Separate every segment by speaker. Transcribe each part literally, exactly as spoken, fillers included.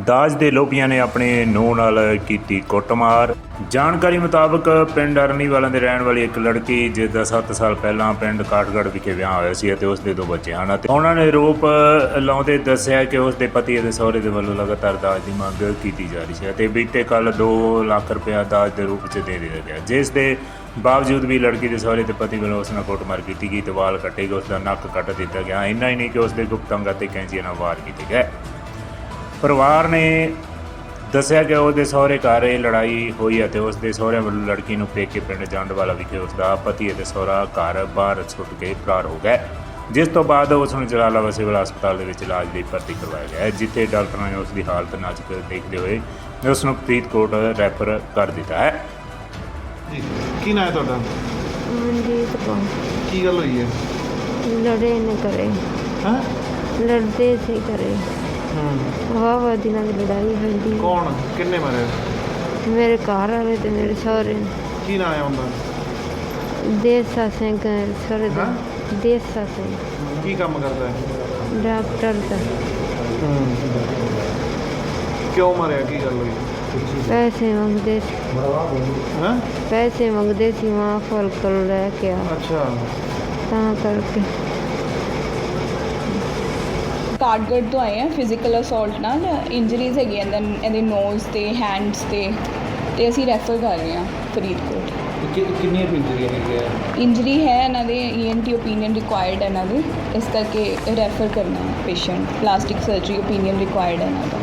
Speaker 1: ਦਾਜ ਦੇ ਲੋਭੀਆਂ ਨੇ ਆਪਣੇ ਨੂੰਹ ਨਾਲ ਕੀਤੀ ਕੁੱਟਮਾਰ। ਜਾਣਕਾਰੀ ਮੁਤਾਬਕ ਪਿੰਡ ਅਰਨੀਵਾਲਾ ਦੇ ਰਹਿਣ ਵਾਲੀ ਇੱਕ ਲੜਕੀ ਜਿਸ ਦਾ ਸੱਤ ਸਾਲ ਪਹਿਲਾਂ ਪਿੰਡ ਕਾਠਗੜ੍ਹ ਵਿਖੇ ਵਿਆਹ ਹੋਇਆ ਸੀ ਅਤੇ ਉਸ ਦੇ ਦੋ ਬੱਚੇ ਹਨ ਅਤੇ ਉਹਨਾਂ ਨੇ ਆਰੋਪ ਲਾਉਂਦੇ ਦੱਸਿਆ ਕਿ ਉਸ ਦੇ ਪਤੀ ਅਤੇ ਸਹੁਰੇ ਦੇ ਵੱਲੋਂ ਲਗਾਤਾਰ ਦਾਜ ਦੀ ਮੰਗ ਕੀਤੀ ਜਾ ਰਹੀ ਸੀ ਅਤੇ ਬੀਤੇ ਕੱਲ੍ਹ ਦੋ ਲੱਖ ਰੁਪਇਆ ਦਾਜ ਦੇ ਰੂਪ 'ਚ ਦੇ ਦਿੱਤਾ ਗਿਆ, ਜਿਸ ਦੇ ਬਾਵਜੂਦ ਵੀ ਲੜਕੀ ਦੇ ਸਹੁਰੇ ਤੇ ਪਤੀ ਵੱਲੋਂ ਉਸ ਨਾਲ ਕੁੱਟਮਾਰ ਕੀਤੀ ਗਈ ਤੇ ਵਾਲ ਕੱਟੇ ਗਏ, ਉਸ ਦਾ ਨੱਕ ਕੱਟ ਦਿੱਤਾ ਗਿਆ। ਇੰਨਾ ਹੀ ਨਹੀਂ ਕਿ ਉਸ ਦੇ ਗੁਪਤ ਅੰਗਾਂ 'ਤੇ ਕੈਂਚੀਆਂ ਨਾਲ ਵਾਰ ਕੀਤੇ ਗਏ। ਪਰਿਵਾਰ ਨੇ ਦੱਸਿਆ ਕਿ ਉਹਦੇ ਸਹੁਰੇ ਘਰ ਇਹ ਲੜਾਈ ਹੋਈ ਅਤੇ ਉਸ ਦੇ ਸਹੁਰਿਆਂ ਵੱਲੋਂ ਲੜਕੀ ਨੂੰ ਪੇਕੇ ਪਿੰਡ ਜੰਡਵਾਲਾ ਵਿਖੇ ਉਸ ਦਾ ਪਤੀ ਅਤੇ ਸਹੁਰਾ ਘਰ ਬਾਹਰ ਸੁੱਟ ਕੇ ਫਰਾਰ ਹੋ ਗਏ, ਜਿਸ ਤੋਂ ਬਾਅਦ ਉਸ ਨੂੰ ਜਲਾਲਾਬਾਦ ਸਿਵਲ ਹਸਪਤਾਲ ਦੇ ਵਿੱਚ ਇਲਾਜ ਲਈ ਭਰਤੀ ਕਰਵਾਇਆ ਗਿਆ, ਜਿੱਥੇ ਡਾਕਟਰਾਂ ਨੇ ਉਸ ਦੀ ਹਾਲਤ ਨਾਜ਼ੁਕ ਦੇਖਦੇ ਹੋਏ ਉਸ ਨੂੰ ਫਰੀਦਕੋਟ ਰੈਫਰ ਕਰ ਦਿੱਤਾ ਹੈ।
Speaker 2: ਜੀ ਕੀ ਨਾਂ ਹੈ ਤੁਹਾਡਾ?
Speaker 3: ਮਨਜੀਤ ਕੌਰ।
Speaker 2: ਕੀ ਗੱਲ ਹੋਈ ਹੈ?
Speaker 3: ਲੜੇ ਨੇ ਕਰੇ
Speaker 2: ਹਾਂ
Speaker 3: ਲੜਦੇ ਸੀ ਕਰੇ
Speaker 2: ਹੂੰ
Speaker 3: ਵਾਹ ਵਾਹ ਦਿਨਾਂ ਦੀ ਲੜਾਈ ਹੁੰਦੀ।
Speaker 2: ਕੌਣ ਕਿੰਨੇ ਮਾਰੇ?
Speaker 3: ਮੇਰੇ ਘਰ ਵਾਲੇ ਤੇ ਮੇਰੇ ਸਹੁਰੇ।
Speaker 2: ਕੀ ਨਾਂ ਹੈ ਉਹਦਾ?
Speaker 3: ਦੇਸਾ ਸਿੰਘ ਸਹੁਰੇ ਦਾ। ਦੇਸਾ ਸਿੰਘ
Speaker 2: ਕੀ ਕੰਮ ਕਰਦਾ ਹੈ?
Speaker 3: ਡਾਕਟਰ ਦਾ।
Speaker 2: ਕਿਉਂ ਮਾਰਿਆ? ਕੀ ਗੱਲ ਹੋਈ?
Speaker 3: ਪੈਸੇ ਮੰਗਦੇ ਸੀ।
Speaker 2: ਹਾਂ
Speaker 3: ਪੈਸੇ ਮੰਗਦੇ ਸੀ ਮਾਂ ਫਲ ਕੋਲ ਲੈ ਕੇ ਆ
Speaker 2: ਅੱਛਾ
Speaker 3: ਤਾਂ ਕਰਕੇ।
Speaker 4: ਕਾਠਗੜ੍ਹ ਤੋਂ ਆਏ ਆ ਫਿਜ਼ੀਕਲ ਅਸੌਲਟ ਨਾਲ ਇੰਜਰੀਜ਼ ਹੈਗੀਆਂ ਇਹਨਾਂ ਇਹਦੇ ਨੋਜ਼ ਤੇ ਹੈਂਡਸ ਤੇ ਤੇ ਅਸੀਂ ਰੈਫਰ ਕਰ ਰਹੇ ਹਾਂ ਫਰੀਦਕੋਟ।
Speaker 2: ਕਿੰਨੀਆਂ ਇੰਜਰੀਆਂ ਹੈਗੀਆਂ?
Speaker 4: ਇੰਜਰੀ ਹੈ ਇਹਨਾਂ ਦੇ E N T opinion required ਹੈ ਇਹਨਾਂ ਦੇ, ਇਸ ਕਰਕੇ ਰੈਫਰ ਕਰਨਾ ਹੈ patient. Plastic surgery opinion required ਹੈ ਇਹਨਾਂ ਦਾ।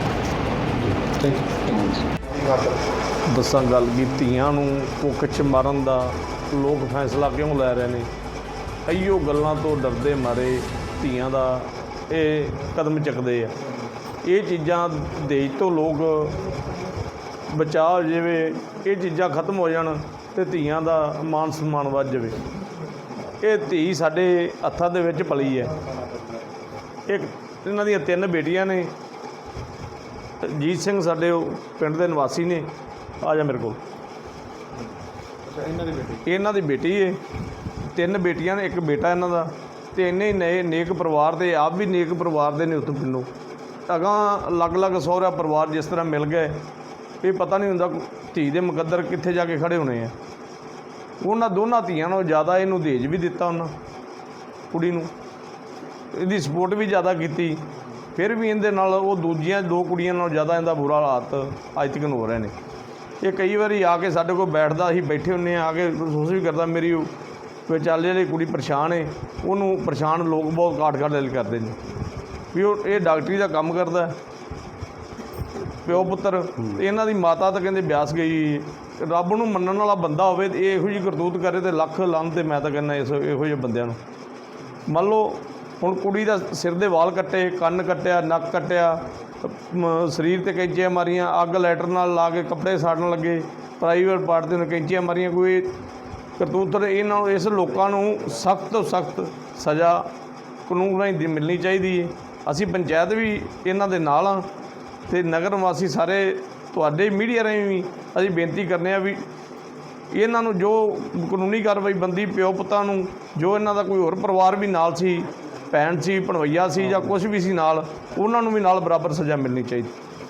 Speaker 4: ਹਾਂਜੀ
Speaker 5: ਦੱਸਾਂ ਗੱਲ ਕੀ, ਧੀਆਂ ਨੂੰ ਕੁੱਖ 'ਚ ਮਾਰਨ ਦਾ ਲੋਕ ਫੈਸਲਾ ਕਿਉਂ ਲੈ ਰਹੇ ਨੇ? ਇਹੀਓ ਗੱਲਾਂ ਤੋਂ ਡਰਦੇ ਮਾਰੇ ਧੀਆਂ ਦਾ ਇਹ ਕਦਮ ਚੁੱਕਦੇ ਆ। ਇਹ ਚੀਜ਼ਾਂ ਦੇਸ਼ ਤੋਂ ਲੋਕ ਬਚਾ ਹੋ ਜਾਵੇ, ਇਹ ਚੀਜ਼ਾਂ ਖਤਮ ਹੋ ਜਾਣ ਅਤੇ ਧੀਆਂ ਦਾ ਮਾਨ ਸਨਮਾਨ ਵੱਧ ਜਾਵੇ। ਇਹ ਧੀ ਸਾਡੇ ਹੱਥਾਂ ਦੇ ਵਿੱਚ ਪਲੀ ਹੈ। ਇੱਕ ਇਹਨਾਂ ਦੀਆਂ ਤਿੰਨ ਬੇਟੀਆਂ ਨੇ। ਜੀਤ ਸਿੰਘ ਸਾਡੇ ਉਹ ਪਿੰਡ ਦੇ ਨਿਵਾਸੀ ਨੇ। ਆ ਜਾ ਮੇਰੇ ਕੋਲ।
Speaker 2: ਅੱਛਾ ਇਹਨਾਂ ਦੀ ਬੇਟੀ? ਇਹਨਾਂ
Speaker 5: ਦੀ ਬੇਟੀ ਹੈ। ਤਿੰਨ ਬੇਟੀਆਂ ਨੇ, ਇੱਕ ਬੇਟਾ ਇਹਨਾਂ ਦਾ। ਅਤੇ ਇੰਨੇ ਹੀ ਨਏ ਨੇਕ ਪਰਿਵਾਰ ਦੇ, ਆਪ ਵੀ ਨੇਕ ਪਰਿਵਾਰ ਦੇ ਨੇ ਉੱਥੋਂ ਪਿੰਡੋਂ। ਅਗਾਂਹ ਅਲੱਗ ਅਲੱਗ ਸਹੁਰਾ ਪਰਿਵਾਰ ਜਿਸ ਤਰ੍ਹਾਂ ਮਿਲ ਗਏ, ਇਹ ਪਤਾ ਨਹੀਂ ਹੁੰਦਾ ਧੀ ਦੇ ਮੁਕੱਦਰ ਕਿੱਥੇ ਜਾ ਕੇ ਖੜ੍ਹੇ ਹੋਣੇ ਆ। ਉਹਨਾਂ ਦੋਨਾਂ ਧੀਆਂ ਨਾਲੋਂ ਜ਼ਿਆਦਾ ਇਹਨੂੰ ਦਹੇਜ ਵੀ ਦਿੱਤਾ ਉਹਨਾਂ ਕੁੜੀ ਨੂੰ, ਇਹਦੀ ਸਪੋਰਟ ਵੀ ਜ਼ਿਆਦਾ ਕੀਤੀ। ਫਿਰ ਵੀ ਇਹਦੇ ਨਾਲ ਉਹ ਦੂਜੀਆਂ ਦੋ ਕੁੜੀਆਂ ਨਾਲੋਂ ਜ਼ਿਆਦਾ ਇਹਦਾ ਬੁਰਾ ਹਾਲਾਤ ਅੱਜ ਤੱਕ ਹੋ ਰਹੇ ਨੇ। ਇਹ ਕਈ ਵਾਰੀ ਆ ਕੇ ਸਾਡੇ ਕੋਲ ਬੈਠਦਾ, ਅਸੀਂ ਬੈਠੇ ਹੁੰਦੇ ਹਾਂ, ਆ ਕੇ ਮਹਿਸੂਸ ਵੀ ਕਰਦਾ ਮੇਰੀ ਵਿਚਾਲੇ ਵਾਲੀ ਕੁੜੀ ਪਰੇਸ਼ਾਨ ਹੈ। ਉਹਨੂੰ ਪਰੇਸ਼ਾਨ ਲੋਕ ਬਹੁਤ ਕਾਟ ਕਾਟ ਦਿਲ ਕਰਦੇ ਨੇ ਵੀ ਉਹ ਇਹ ਡਾਕਟਰੀ ਦਾ ਕੰਮ ਕਰਦਾ ਪਿਓ ਪੁੱਤਰ। ਅਤੇ ਇਹਨਾਂ ਦੀ ਮਾਤਾ ਤਾਂ ਕਹਿੰਦੇ ਬਿਆਸ ਗਈ। ਰੱਬ ਨੂੰ ਮੰਨਣ ਵਾਲਾ ਬੰਦਾ ਹੋਵੇ ਅਤੇ ਇਹ ਇਹੋ ਜਿਹੀ ਕਰਤੂਤ ਕਰੇ ਅਤੇ ਲੱਖ ਲਾਹਨ। ਤੇ ਮੈਂ ਤਾਂ ਕਹਿੰਦਾ ਇਸ ਇਹੋ ਜਿਹੇ ਬੰਦਿਆਂ ਨੂੰ। ਮੰਨ ਲਓ ਹੁਣ ਕੁੜੀ ਦਾ ਸਿਰ ਦੇ ਵਾਲ ਕੱਟੇ, ਕੰਨ ਕੱਟਿਆ, ਨੱਕ ਕੱਟਿਆ, ਸਰੀਰ 'ਤੇ ਕੈਂਚੀਆਂ ਮਾਰੀਆਂ, ਅੱਗ ਲੈਟਰ ਨਾਲ ਲਾ ਕੇ ਕੱਪੜੇ ਸਾੜਨ ਲੱਗੇ, ਪ੍ਰਾਈਵੇਟ ਪਾਰਟ 'ਤੇ ਕੈਂਚੀਆਂ ਮਾਰੀਆਂ। ਕੋਈ ਕਰਤੂਤ ਇਹਨਾਂ ਨੂੰ, ਇਸ ਲੋਕਾਂ ਨੂੰ ਸਖਤ ਤੋਂ ਸਖਤ ਸਜ਼ਾ ਕਾਨੂੰਨ ਰਾਹੀਂ ਮਿਲਣੀ ਚਾਹੀਦੀ ਹੈ। ਅਸੀਂ ਪੰਚਾਇਤ ਵੀ ਇਹਨਾਂ ਦੇ ਨਾਲ ਹਾਂ ਅਤੇ ਨਗਰ ਨਿਵਾਸੀ ਸਾਰੇ ਤੁਹਾਡੇ ਮੀਡੀਆ ਰਾਹੀਂ ਵੀ ਅਸੀਂ ਬੇਨਤੀ ਕਰਨੇ ਆ ਵੀ ਇਹਨਾਂ ਨੂੰ ਜੋ ਕਾਨੂੰਨੀ ਕਾਰਵਾਈ ਬੰਦੀ ਪਿਓ ਪੁੱਤਾਂ ਨੂੰ, ਜੋ ਇਹਨਾਂ ਦਾ ਕੋਈ ਹੋਰ ਪਰਿਵਾਰ ਵੀ ਨਾਲ ਸੀ, ਭੈਣ ਸੀ, ਭਣਵਈਆ ਸੀ ਜਾਂ ਕੁਛ ਵੀ ਸੀ ਨਾਲ, ਉਹਨਾਂ ਨੂੰ ਵੀ ਨਾਲ ਬਰਾਬਰ ਸਜ਼ਾ ਮਿਲਣੀ ਚਾਹੀਦੀ।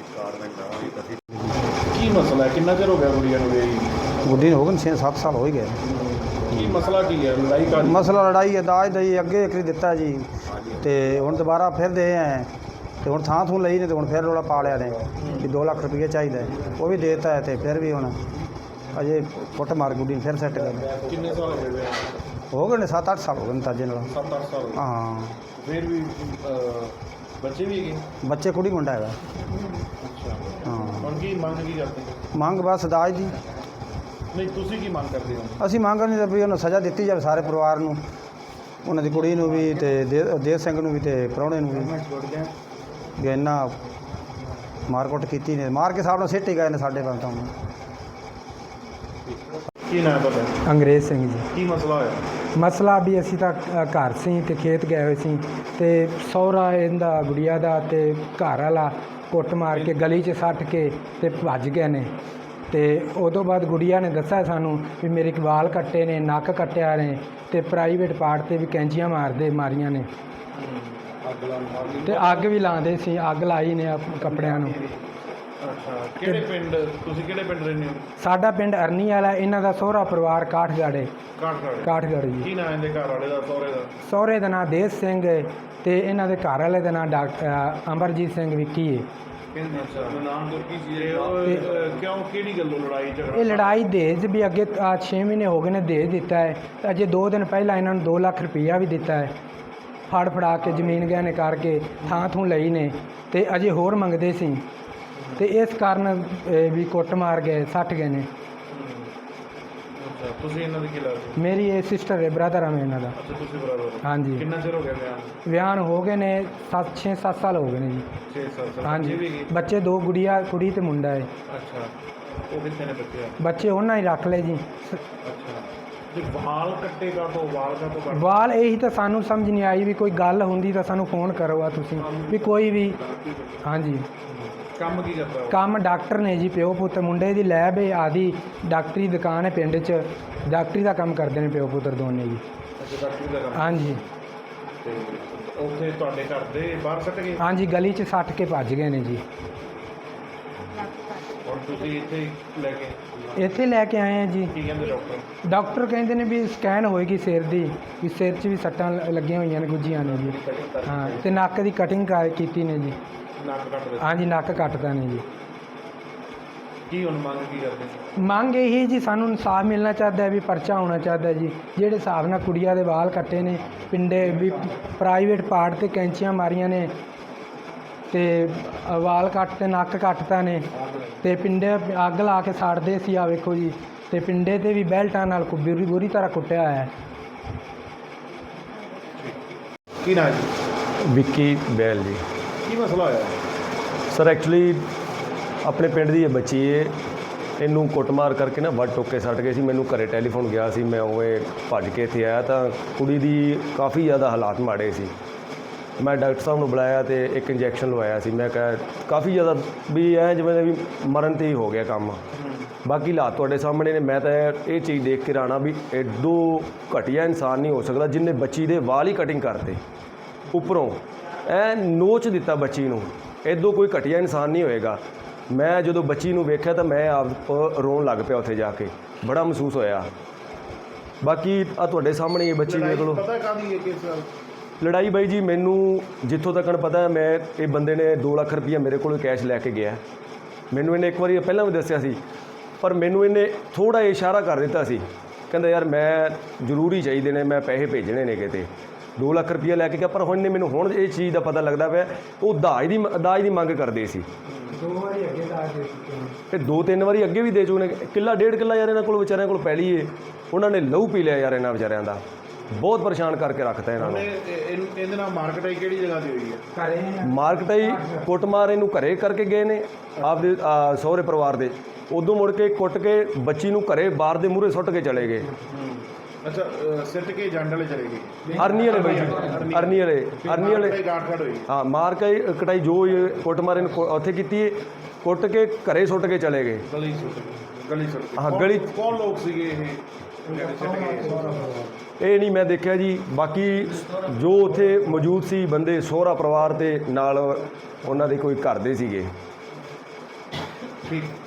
Speaker 2: ਕੀ ਮਸਲਾ ਹੈ? ਕਿੰਨਾ ਚਿਰ ਹੋ ਗਿਆ ਕੁੜੀਆਂ ਨੂੰ ਗਈ?
Speaker 6: ਗੁੱਡੀ ਨੂੰ ਹੋ ਗਏ ਛੇ ਸੱਤ ਸਾਲ ਹੋ ਹੀ ਗਏ।
Speaker 2: ਕੀ ਮਸਲਾ ਕੀ ਹੈ? ਲੜਾਈ ਕਾਹਦੀ?
Speaker 6: ਮਸਲਾ ਲੜਾਈ ਹੈ ਦਾਜ ਦਾ ਜੀ। ਅੱਗੇ ਇੱਕ ਦਿੱਤਾ ਜੀ ਅਤੇ ਹੁਣ ਦੁਬਾਰਾ ਫਿਰ ਦੇ ਆਏ ਅਤੇ ਹੁਣ ਥਾਂ ਥੂੰ ਲਈ ਨੇ ਅਤੇ ਹੁਣ ਫਿਰ ਰੌਲਾ ਪਾ ਲਿਆ ਨੇ ਵੀ ਦੋ ਲੱਖ ਰੁਪਈਆ ਚਾਹੀਦਾ। ਉਹ ਵੀ ਦੇ ਦਿੱਤਾ ਹੈ ਅਤੇ ਫਿਰ ਵੀ ਹੁਣ ਅਜੇ ਕੁੱਟ ਮਾਰ ਗੁੱਡੀ ਨੂੰ ਫਿਰ ਸੈੱਟ ਗਏ ਨੇ।
Speaker 2: ਕਿੰਨੇ ਸਾਲ ਹੋ ਗਏ?
Speaker 6: ਹੋ ਗਏ ਨੇ ਸੱਤ ਅੱਠ ਸਾਲ ਹੋ ਗਏ ਨੇ ਤਾਜੇ ਨਾਲ।
Speaker 2: ਸੱਤ ਅੱਠ ਸਾਲ?
Speaker 6: ਹਾਂ।
Speaker 2: ਫਿਰ ਵੀ ਬੱਚੇ ਵੀ ਹੈਗੇ?
Speaker 6: ਬੱਚੇ ਕੁੜੀ ਮੁੰਡਾ ਹੈਗਾ।
Speaker 2: ਅੱਛਾ
Speaker 6: ਹਾਂ।
Speaker 2: ਹੁਣ ਕੀ ਮੰਗ ਕੀ ਕਰਦੇ?
Speaker 6: ਮੰਗ ਬਸ ਦਾਜ ਦੀ।
Speaker 2: ਨਹੀਂ ਤੁਸੀਂ ਕੀ ਮੰਗ ਕਰਦੇ ਹੋ?
Speaker 6: ਅਸੀਂ ਮੰਗ ਨਹੀਂ ਵੀ ਉਹਨੂੰ ਸਜ਼ਾ ਦਿੱਤੀ ਜਾਵੇ ਸਾਰੇ ਪਰਿਵਾਰ ਨੂੰ, ਉਹਨਾਂ ਦੀ ਕੁੜੀ ਨੂੰ ਵੀ ਅਤੇ ਦੇ ਦੇਵ ਸਿੰਘ ਨੂੰ ਵੀ ਅਤੇ ਪ੍ਰਾਹੁਣੇ ਨੂੰ ਵੀ। ਵੀ ਇੰਨਾ ਮਾਰ ਕੁੱਟ ਕੀਤੀ ਨੇ, ਮਾਰ ਕੇ ਸਾਹਿਬ ਨਾਲ ਸਿੱਟ ਹੀ ਗਏ ਨੇ ਸਾਡੇ ਬੰਦ। ਤਾਂ
Speaker 2: ਕੀ ਨਾਮ ਤੁਹਾਡਾ?
Speaker 7: ਅੰਗਰੇਜ਼ ਸਿੰਘ ਜੀ।
Speaker 2: ਕੀ ਮਸਲਾ ਹੋਇਆ?
Speaker 7: ਮਸਲਾ ਵੀ ਅਸੀਂ ਤਾਂ ਘਰ ਸੀ ਅਤੇ ਖੇਤ ਗਏ ਹੋਏ ਸੀ ਅਤੇ ਸਹੁਰਾ ਇਹਦਾ ਗੁੜੀਆ ਦਾ ਅਤੇ ਘਰ ਵਾਲਾ ਕੁੱਟ ਮਾਰ ਕੇ ਗਲੀ 'ਚ ਸੱਟ ਕੇ ਅਤੇ ਭੱਜ ਗਏ ਨੇ। ਅਤੇ ਉਦੋਂ ਬਾਅਦ ਗੁੜੀਆ ਨੇ ਦੱਸਿਆ ਸਾਨੂੰ ਵੀ ਮੇਰੇ ਵਾਲ ਕੱਟੇ ਨੇ, ਨੱਕ ਕੱਟਿਆ ਨੇ ਅਤੇ ਪ੍ਰਾਈਵੇਟ ਪਾਰਟ 'ਤੇ ਵੀ ਕੈਂਚੀਆਂ ਮਾਰਦੇ ਮਾਰੀਆਂ ਨੇ ਅਤੇ ਅੱਗ ਵੀ ਲਾਉਂਦੇ ਸੀ। ਅੱਗ ਲਾਈ ਨੇ ਕੱਪੜਿਆਂ ਨੂੰ।
Speaker 2: ਅੱਛਾ ਕਿਹੜੇ ਪਿੰਡ ਤੁਸੀਂ ਕਿਹੜੇ ਪਿੰਡ ਰਹਿੰਦੇ ਹੋ?
Speaker 7: ਸਾਡਾ ਪਿੰਡ ਅਰਨੀ ਵਾਲਾ, ਇਹਨਾਂ ਦਾ ਸਹੁਰਾ ਪਰਿਵਾਰ ਕਾਠਗੜ੍ਹ
Speaker 2: ਕਾਠਗੜ੍ਹ।
Speaker 7: ਕਾਠਗੜ੍ਹ ਜੀ।
Speaker 2: ਕੀ ਨਾਮ ਇਹਦੇ ਘਰ ਵਾਲੇ ਦਾ, ਸਹੁਰੇ ਦਾ?
Speaker 7: ਸਹੁਰੇ ਦਾ ਨਾਂ ਦੇਸ ਸਿੰਘ ਹੈ ਤੇ ਇਹਨਾਂ ਦੇ ਘਰ ਵਾਲੇ ਦਾ ਨਾਂ ਡਾਕਟਰ ਅਮਰਜੀਤ ਸਿੰਘ ਵਿੱਕੀ ਹੈ।
Speaker 2: ਅੱਛਾ ਨਾਮ ਗੁਰਕੀ ਸੀ। ਉਹ ਕਿਉਂ ਕਿਹੜੀ ਗੱਲੋਂ ਲੜਾਈ ਝਗੜਾ?
Speaker 7: ਇਹ ਲੜਾਈ ਦਹੇਜ ਵੀ ਅੱਗੇ ਛੇ ਮਹੀਨੇ ਹੋ ਗਏ ਨੇ ਦਹੇਜ ਦਿੱਤਾ ਹੈ ਤੇ ਅਜੇ ਦੋ ਦਿਨ ਪਹਿਲਾਂ ਇਹਨਾਂ ਨੂੰ ਦੋ ਲੱਖ ਰੁਪਈਆ ਵੀ ਦਿੱਤਾ ਹੈ, ਫੜ ਫੜਾ ਕੇ ਜ਼ਮੀਨ ਗਹਿਣੇ ਕਰਕੇ ਥਾਂ ਥੂ ਲਈ ਨੇ ਤੇ ਅਜੇ ਹੋਰ ਮੰਗਦੇ ਸੀ ਤੇ ਇਸ ਕਾਰਨ ਇਹ ਵੀ ਕੁੱਟ ਮਾਰ ਗਏ, ਸੱਟ ਗਏ ਨੇ।
Speaker 2: ਅੱਛਾ ਤੁਸੀਂ ਇਹਨਾਂ ਦੇ ਕੀ ਲੱਗਦੇ?
Speaker 7: ਮੇਰੀ ਇਹ ਸਿਸਟਰ ਹੈ, ਬ੍ਰਦਰ ਆ ਮੈਂ ਇਹਨਾਂ ਦਾ।
Speaker 2: ਅੱਛਾ ਤੁਸੀਂ ਬਰਾਬਰ?
Speaker 7: ਹਾਂਜੀ।
Speaker 2: ਕਿੰਨਾ ਚਿਰ ਹੋ ਗਿਆ ਵਿਆਹ ਨੂੰ?
Speaker 7: ਵਿਆਹ ਨੂੰ ਹੋ ਗਏ ਨੇ ਸੱਤ ਛੇ ਸੱਤ ਸਾਲ ਹੋ ਗਏ ਨੇ ਜੀ।
Speaker 2: ਛੇ ਸਾਲ।
Speaker 7: ਹਾਂਜੀ।
Speaker 2: ਬੱਚੇ ਵੀ ਗਏ?
Speaker 7: ਬੱਚੇ ਦੋ ਗੁੜੀਆ, ਕੁੜੀ ਤੇ ਮੁੰਡਾ ਹੈ।
Speaker 2: ਅੱਛਾ ਉਹ ਕਿੱਥੇ ਨੇ ਬੱਚੇ?
Speaker 7: ਬੱਚੇ ਉਹਨਾਂ ਹੀ ਰੱਖ ਲਏ ਜੀ।
Speaker 2: ਅੱਛਾ ਤੇ ਵਾਲ ਕੱਟੇਗਾ ਤੋਂ ਵਾਲ ਕਾ ਤੋਂ ਕੱਟ?
Speaker 7: ਵਾਲ ਇਹੀ ਤਾਂ ਸਾਨੂੰ ਸਮਝ ਨਹੀਂ ਆਈ ਵੀ ਕੋਈ ਗੱਲ ਹੁੰਦੀ ਤਾਂ ਸਾਨੂੰ ਫੋਨ ਕਰੋ ਆ ਤੁਸੀਂ ਵੀ ਕੋਈ ਵੀ। ਹਾਂਜੀ।
Speaker 2: ਕੰਮ ਕੀ ਕਰਦਾ ਉਹ?
Speaker 7: ਕੰਮ ਡਾਕਟਰ ਨੇ ਜੀ, ਪਿਓ ਪੁੱਤ। ਮੁੰਡੇ ਦੀ ਲੈਬ ਹੈ ਆਦੀ, ਡਾਕਟਰੀ ਦੁਕਾਨ ਹੈ ਪਿੰਡ 'ਚ, ਡਾਕਟਰੀ ਦਾ ਕੰਮ ਕਰਦੇ ਨੇ ਪਿਓ ਪੁੱਤਰ ਦੋਨੇ ਜੀ।
Speaker 2: ਅੱਛਾ ਡਾਕਟਰੀ ਦਾ ਕੰਮ।
Speaker 7: ਹਾਂਜੀ।
Speaker 2: ਤੇ ਉੱਥੇ ਤੁਹਾਡੇ ਘਰ ਦੇ ਬਾਹਰ ਸੱਟ ਗਏ?
Speaker 7: ਹਾਂਜੀ, ਗਲੀ 'ਚ ਸੱਟ ਕੇ ਭੱਜ ਗਏ ਨੇ ਜੀ।
Speaker 2: ਹੁਣ ਤੁਸੀਂ ਇੱਥੇ ਲੈ ਕੇ
Speaker 7: ਇੱਥੇ ਲੈ ਕੇ ਆਏ ਆ ਜੀ।
Speaker 2: ਕੀ ਕਹਿੰਦੇ ਡਾਕਟਰ?
Speaker 7: ਡਾਕਟਰ ਕਹਿੰਦੇ ਨੇ ਵੀ ਸਕੈਨ ਹੋਏਗੀ ਸਿਰ ਦੀ, ਵੀ ਸਿਰ 'ਚ ਵੀ ਸੱਟਾਂ ਲ- ਲੱਗੀਆਂ ਹੋਈਆਂ ਨੇ, ਗੁੱਜੀਆਂ ਨੇ ਜੀ। ਹਾਂ ਤੇ ਨੱਕ ਦੀ ਕਟਿੰਗ ਕੀਤੀ ਨੇ ਜੀ।
Speaker 2: ਨੱਕ ਕੱਟ ਦੇ?
Speaker 7: ਹਾਂਜੀ, ਨੱਕ ਕੱਟਦਾ ਨੇ ਜੀ।
Speaker 2: ਕੀ ਹੁਣ ਮੰਗ ਕੀ ਕਰਦੇ?
Speaker 7: ਮੰਗ ਇਹੀ ਜੀ, ਸਾਨੂੰ ਇਨਸਾਫ ਮਿਲਣਾ ਚਾਹੀਦਾ ਹੈ ਵੀ ਪਰਚਾ ਹੋਣਾ ਚਾਹੀਦਾ ਹੈ ਜੀ। ਜਿਹੜੇ ਹਿਸਾਬ ਨਾਲ ਕੁੜੀਆਂ ਦੇ ਵਾਲ ਕੱਟੇ ਨੇ, ਪਿੰਡੇ ਵੀ ਪ੍ਰਾਈਵੇਟ ਪਾਰਟ ਤੇ ਕੈਂਚੀਆਂ ਮਾਰੀਆਂ ਨੇ ਤੇ ਵਾਲ ਕੱਟ ਤੇ ਨੱਕ ਕੱਟਤਾ ਨੇ ਤੇ ਪਿੰਡੇ ਅੱਗ ਲਾ ਕੇ ਸਾੜਦੇ ਸੀ। ਆ ਵੇਖੋ ਜੀ, ਤੇ ਪਿੰਡੇ ਤੇ ਵੀ ਬੈਲਟਾਂ ਨਾਲ ਕੁ- ਬੁਰੀ ਬੁਰੀ ਤਰ੍ਹਾਂ ਕੁੱਟਿਆ ਹੋਇਆ ਹੈ।
Speaker 2: ਕੀ ਨਾਮ ਜੀ?
Speaker 8: ਵਿੱਕੀ ਬੈਲ ਜੀ।
Speaker 2: ਕੀ ਮਸਲਾ ਹੋਇਆ?
Speaker 8: ਸਰ ਐਕਚੁਅਲੀ ਆਪਣੇ ਪਿੰਡ ਦੀ ਇਹ ਬੱਚੀ ਏ, ਇਹਨੂੰ ਕੁੱਟਮਾਰ ਕਰਕੇ ਨਾ ਵੱਢ ਟੋਕੇ ਸੱਟ ਗਏ ਸੀ। ਮੈਨੂੰ ਘਰੇ ਟੈਲੀਫੋਨ ਗਿਆ ਸੀ, ਮੈਂ ਉਵੇਂ ਭੱਜ ਕੇ ਇੱਥੇ ਆਇਆ ਤਾਂ ਕੁੜੀ ਦੀ ਕਾਫੀ ਜ਼ਿਆਦਾ ਹਾਲਾਤ ਮਾੜੇ ਸੀ। ਮੈਂ ਡਾਕਟਰ ਸਾਹਿਬ ਨੂੰ ਬੁਲਾਇਆ ਤੇ ਇੱਕ ਇੰਜੈਕਸ਼ਨ ਲਵਾਇਆ ਸੀ। ਮੈਂ ਕਿਹਾ ਕਾਫੀ ਜ਼ਿਆਦਾ ਵੀ ਐ ਜਿਵੇਂ ਵੀ ਮਰਨ 'ਤੇ ਹੀ ਹੋ ਗਿਆ ਕੰਮ। ਬਾਕੀ ਹਾਲਾਤ ਤੁਹਾਡੇ ਸਾਹਮਣੇ ਨੇ। ਮੈਂ ਤਾਂ ਇਹ ਚੀਜ਼ ਦੇਖ ਕੇ ਰਾਣਾ ਵੀ ਐਡੋ ਘਟੀਆ ਇਨਸਾਨ ਨਹੀਂ ਹੋ ਸਕਦਾ ਜਿਹਨੇ ਬੱਚੀ ਦੇ ਵਾਲ ਹੀ ਕਟਿੰਗ ਕਰਤੇ, ਉੱਪਰੋਂ ਐ ਨੋਚ ਦਿੱਤਾ ਬੱਚੀ ਨੂੰ। ਐਡੋ ਕੋਈ ਘਟੀਆ ਇਨਸਾਨ ਨਹੀਂ ਹੋਏਗਾ। ਮੈਂ ਜਦੋਂ ਬੱਚੀ ਨੂੰ ਵੇਖਿਆ ਤਾਂ ਮੈਂ ਆਪ ਰੋਣ ਲੱਗ ਪਿਆ ਉੱਥੇ ਜਾ ਕੇ, ਬੜਾ ਮਹਿਸੂਸ ਹੋਇਆ। ਬਾਕੀ ਆ ਤੁਹਾਡੇ ਸਾਹਮਣੇ ਇਹ ਬੱਚੀ ਦੇਖ ਲਓ।
Speaker 2: ਪਤਾ ਕਾਹਦੀ ਹੈ ਕਿਸ ਗੱਲ?
Speaker 8: ਲੜਾਈ ਬਾਈ ਜੀ ਮੈਨੂੰ ਜਿੱਥੋਂ ਤੱਕ ਪਤਾ ਹੈ, ਮੈਂ ਇਹ ਬੰਦੇ ਨੇ ਦੋ ਲੱਖ ਰੁਪਈਆ ਮੇਰੇ ਕੋਲੋਂ ਕੈਸ਼ ਲੈ ਕੇ ਗਿਆ। ਮੈਨੂੰ ਇਹਨੇ ਇੱਕ ਵਾਰੀ ਪਹਿਲਾਂ ਵੀ ਦੱਸਿਆ ਸੀ, ਪਰ ਮੈਨੂੰ ਇਹਨੇ ਥੋੜ੍ਹਾ ਇਸ਼ਾਰਾ ਕਰ ਦਿੱਤਾ ਸੀ, ਕਹਿੰਦਾ ਯਾਰ ਮੈਂ ਜ਼ਰੂਰੀ ਚਾਹੀਦੇ ਨੇ, ਮੈਂ ਪੈਸੇ ਭੇਜਣੇ ਨੇ ਕਿਤੇ। ਦੋ ਲੱਖ ਰੁਪਈਆ ਲੈ ਕੇ ਗਿਆ, ਪਰ ਹੁਣ ਨੇ ਮੈਨੂੰ ਹੁਣ ਇਹ ਚੀਜ਼ ਦਾ ਪਤਾ ਲੱਗਦਾ ਪਿਆ ਉਹ ਦਾਜ ਦੀ ਦਾਜ ਦੀ ਮੰਗ ਕਰਦੇ ਸੀ।
Speaker 7: ਦੋ ਵਾਰੀ ਅੱਗੇ ਦਾ ਦੇ ਚੁੱਕੇ ਨੇ
Speaker 8: ਤੇ ਦੋ ਤਿੰਨ ਵਾਰੀ ਅੱਗੇ ਵੀ ਦੇ ਚੁੱਕੇ ਨੇ। ਕਿੱਲਾ ਡੇਢ ਕਿੱਲਾ ਯਾਰ ਇਹਨਾਂ ਕੋਲ ਵਿਚਾਰਿਆਂ ਕੋਲ ਪੈਲੀ ਏ, ਉਹਨਾਂ ਨੇ ਲਹੂ ਪੀ ਲਿਆ ਯਾਰ ਇਹਨਾਂ ਵਿਚਾਰਿਆਂ ਦਾ। ਬਹੁਤ ਪਰੇਸ਼ਾਨ ਕਰਕੇ ਰੱਖਤਾ ਇਹਨਾਂ ਨੂੰ।
Speaker 2: ਉਹਨੇ ਇਹ- ਇਹਦੇ ਨਾਲ ਮਾਰਕੀਟ ਆਈ ਕਿਹੜੀ ਜਗ੍ਹਾ ਦੀ ਹੋਈ ਹੈ?
Speaker 7: ਘਰੇ
Speaker 8: ਮਾਰਕਟਾਈ ਕੁੱਟਮਾਰ ਇਹਨੂੰ ਘਰੇ ਕਰਕੇ ਗਏ ਨੇ ਆਪਦੇ ਅਹ, ਸਹੁਰੇ ਪਰਿਵਾਰ ਦੇ। ਉਦੋਂ ਮੁੜ ਕੇ ਕੁੱਟ ਕੇ ਬੱਚੀ ਨੂੰ ਘਰੇ ਬਾਰ ਦੇ ਮੂਹਰੇ ਸੁੱਟ ਕੇ ਚਲੇ ਗਏ।
Speaker 2: ਅੱਛਾ ਅ, ਸਿੱਟ ਕੇ ਜੰਡ ਵਾਲੇ ਚਲੇ ਗਏ?
Speaker 8: ਅਰਨੀ ਵਾਲੇ ਬਾਈ ਜੀ, ਅਰਨੀ ਵਾਲੇ ਅਰਨੀ ਵਾਲੇ
Speaker 2: ਮਾਰਕੀਟ ਗਾਠ ਹੋਈ?
Speaker 8: ਹਾਂ, ਮਾਰ ਕੇ ਕਟਾਈ ਜੋ ਇਹ ਕੁੱਟਮਾਰ ਇਹਨੂੰ ਕੁ- ਉੱਥੇ ਕੀਤੀ ਹੈ, ਕੁੱਟ ਕੇ ਘਰੇ ਸੁੱਟ ਕੇ ਚਲੇ ਗਏ।
Speaker 2: ਗਲੀ ਸੁੱਟ ਗਈ? ਗਲੀ ਸੁੱਟ ਗਈ।
Speaker 8: ਹਾਂ,
Speaker 2: ਕੌਣ-
Speaker 8: ਗਲੀ-
Speaker 2: ਕੌਣ ਲੋਕ ਸੀਗੇ ਇਹ ਜਿਹੜੇ ਸਿੱਟ ਗਏ?
Speaker 8: ਇਹ ਨਹੀਂ ਮੈਂ ਦੇਖਿਆ ਜੀ। ਬਾਕੀ ਜੋ ਉੱਥੇ ਮੌਜੂਦ ਸੀ ਬੰਦੇ, ਸਹੁਰਾ ਪਰਿਵਾਰ ਤੇ ਨਾਲ ਉਹਨਾਂ ਦੇ ਕੋਈ ਘਰ ਦੇ ਸੀਗੇ।
Speaker 2: ਠੀਕ।